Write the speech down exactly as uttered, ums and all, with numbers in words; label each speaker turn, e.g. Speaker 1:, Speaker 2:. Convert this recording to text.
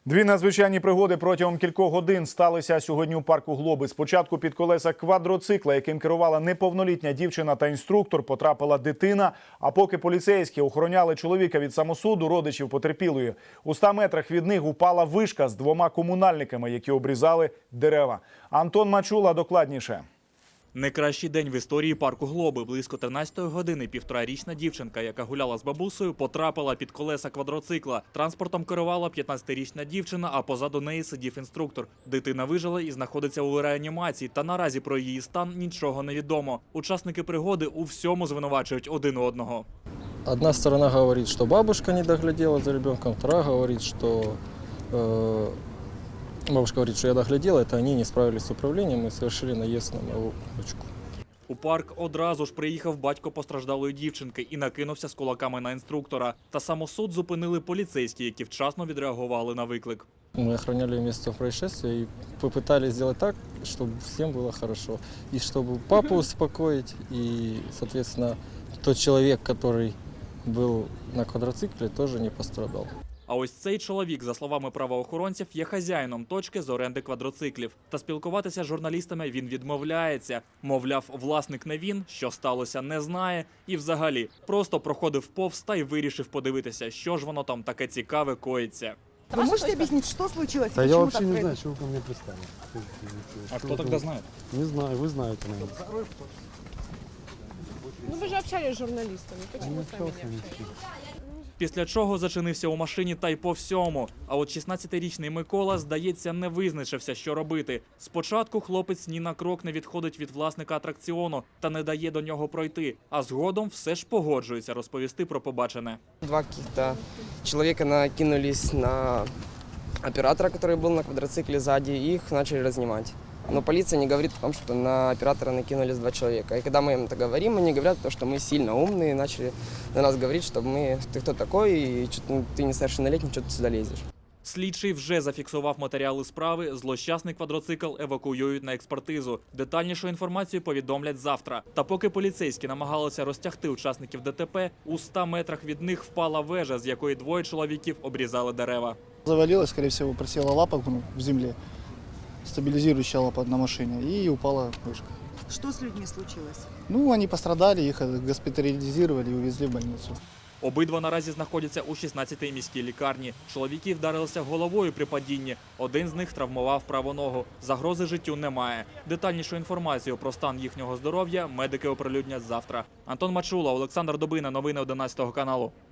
Speaker 1: Дві надзвичайні пригоди протягом кількох годин сталися сьогодні у парку Глоби. Спочатку під колеса квадроцикла, яким керувала неповнолітня дівчина та інструктор, потрапила дитина. А поки поліцейські охороняли чоловіка від самосуду, родичів потерпілої, у ста метрах від них упала вишка з двома комунальниками, які обрізали дерева. Антон Мачула докладніше.
Speaker 2: Найкращий день в історії парку Глоби. Близько тринадцятої години півторарічна дівчинка, яка гуляла з бабусею, потрапила під колеса квадроцикла. Транспортом керувала п'ятнадцятирічна дівчина, а позаду неї сидів інструктор. Дитина вижила і знаходиться у реанімації, та наразі про її стан нічого не відомо. Учасники пригоди у всьому звинувачують один одного.
Speaker 3: Одна сторона говорит, что бабушка не доглядела за ребенком, вторая говорит, что э, бабушка говорит, что я доглядела, это они не справились с управлением и совершили наезд на мою дочку.
Speaker 2: У парк одразу ж приїхав батько постраждалої дівчинки і накинувся з кулаками на інструктора. Та самосуд зупинили поліцейські, які вчасно відреагували на виклик.
Speaker 3: Мы охраняли место происшествия и попытались сделать так, чтобы всем было хорошо. И чтобы папу успокоить, и, соответственно, тот человек, который был на квадроцикле, тоже не пострадал.
Speaker 2: А ось цей чоловік, за словами правоохоронців, є хазяїном точки з оренди квадроциклів. Та спілкуватися з журналістами він відмовляється. Мовляв, власник не він, що сталося, не знає. І взагалі, просто проходив повз та й вирішив подивитися, що ж воно там таке цікаве коїться.
Speaker 4: Вы можете объяснить, что случилось?
Speaker 5: Да
Speaker 4: и
Speaker 5: я
Speaker 4: почему
Speaker 5: вообще
Speaker 4: так
Speaker 5: не знаю,
Speaker 4: произошло?
Speaker 5: что вы ко мне пристали.
Speaker 2: А хто тоді знає?
Speaker 5: Не знаю, вы знаете, наверное.
Speaker 6: Ну вы же общались с журналистами,
Speaker 5: Не
Speaker 6: почему с нами
Speaker 5: общался
Speaker 6: не
Speaker 5: ни с
Speaker 6: общались?
Speaker 5: кем.
Speaker 2: Після чого зачинився у машині та й по всьому. А от шістнадцятирічний Микола, здається, не визначився, що робити. Спочатку хлопець ні на крок не відходить від власника атракціону та не дає до нього пройти. А згодом все ж погоджується розповісти про побачене.
Speaker 7: Два каких-то человека накинулись на оператора, который был на квадроцикле сзади, и их начали разнимать. Но полиция не говорит о том, что на оператора накинулись два человека. И когда мы им это говорим, они говорят, то, что мы сильно умные, и начали на нас говорить, что мы, ты кто такой, и что ты несовершеннолетний, что ты сюда лезешь.
Speaker 2: Слідчий вже зафіксував матеріали справи, злощасний квадроцикл евакуюють на експертизу. Детальнішу інформацію повідомлять завтра. Та поки поліцейські намагалися розтягти учасників ДТП, у ста метрах від них впала вежа, з якої двоє чоловіків обрізали дерева.
Speaker 8: Завалилась, скорее всего, просела лапа ну, в земле, стабилизирующая лапа на машине, и упала вышка.
Speaker 4: Что с людьми случилось?
Speaker 8: Ну, они пострадали, их госпитализировали и увезли в больницу.
Speaker 2: Обидва наразі знаходяться у шістнадцятій міській лікарні. Чоловіки вдарилися головою при падінні. Один з них травмував праву ногу. Загрози життю немає. Детальнішу інформацію про стан їхнього здоров'я медики оприлюднять завтра. Антон Мачула, Олександр Добина. Новини одинадцятого каналу.